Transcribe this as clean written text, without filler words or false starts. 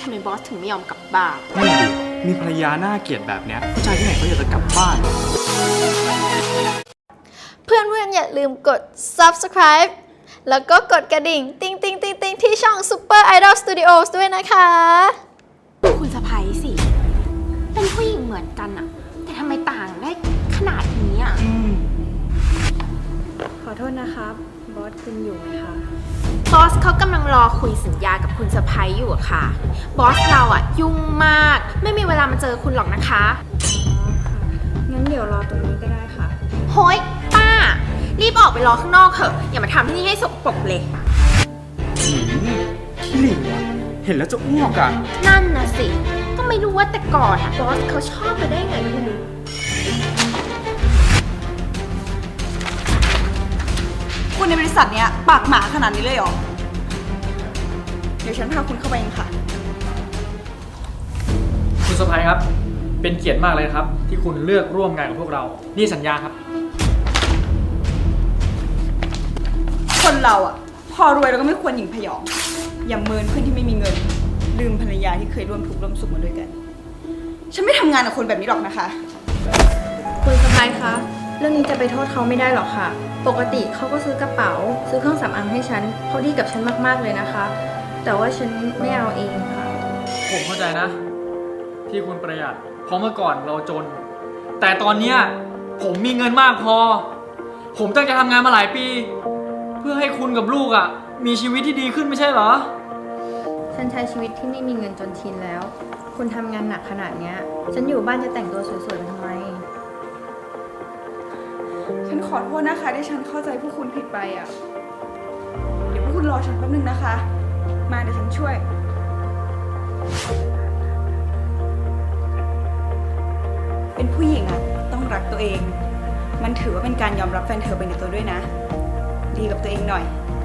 ทำไมบอสถึงไม่ยอมกลับบ้านนั่นดิมีภรรยาหน้าเกลียดแบบเนี้ยผู้ชายที่ไหนเขาอยากจะกลับบ้านเพื่อนๆอย่าลืมกด subscribe แล้วก็กดกระดิ่ง ติ๊งติ๊งติ๊งติ๊งที่ช่อง Super Idol Studios ด้วยนะคะคุณสะพ้ยสิ เป็นผู้หญิงเหมือนกันอะแต่ทำไมต่างได้ขนาดนี้อะขอโทษนะครับ บอสคุณอยู่ไหมคะบอสเขากำลังรอคุยสัญญากับคุณสะพ้ยอยู่อะค่ะ บอสเราอะยุ่งมาก ไม่มีเวลามาเจอคุณหรอกนะคะงั้นเดี๋ยวรอตรงนี้ก็ได้ค่ะโฮ้ยป้า รีบออกไปรอข้างนอกเถอะ อย่ามาทำที่นี่ให้สกปรกเลยขี้หลิงว่ะเห็นแล้วจะอ้วกอ่ะนั่นนะสิ ก็ไม่รู้ว่าแต่ก่อนอะบอสเขาชอบไปได้ไงไม่รู้คุณในบริษัทเนี้ยปากหมาขนาดนี้เลยเหรอ เดี๋ยวฉันพาคุณเข้าไปเองค่ะคุณสะพายครับ เป็นเกียรติมากเลยครับ ที่คุณเลือกร่วมงานกับพวกเรา นี่สัญญาครับคนเราอ่ะ พอรวยเราก็ไม่ควรหยิ่งพยอง อย่าเมินเพื่อนที่ไม่มีเงิน ลืมภรรยาที่เคยร่วมทุกข์ร่วมสุขมาด้วยกัน ฉันไม่ทำงานกับคนแบบนี้หรอกนะคะคุณสะพายคะ เรื่องนี้จะไปโทษเขาไม่ได้หรอกค่ะ ปกติเขาก็ซื้อกระเป๋า ซื้อเครื่องสำอางให้ฉันเขาดีกับฉันมากๆเลยนะคะ แต่ว่าฉันไม่เอาเองค่ะผมเข้าใจนะ ที่คุณประหยัด เพราะเมื่อก่อนเราจน แต่ตอนเนี้ยผมมีเงินมากพอ ผมตั้งใจทำงานมาหลายปี เพื่อให้คุณกับลูกอ่ะ มีชีวิตที่ดีขึ้นไม่ใช่เหรอฉันใช้ชีวิตที่ไม่มีเงินจนชินแล้ว คุณทำงานหนักขนาดเนี้ย ฉันอยู่บ้านจะแต่งตัวสวยๆไปทำไมฉันขอโทษนะคะที่ฉันเข้าใจพวกคุณผิดไปอ่ะ เดี๋ยวพวกคุณรอฉันแป๊บนึงนะคะ มาเดี๋ยวฉันช่วย เป็นผู้หญิงอ่ะต้องรักตัวเอง มันถือว่าเป็นการยอมรับแฟนเธอไปในตัวด้วยนะ ดีกับตัวเองหน่อย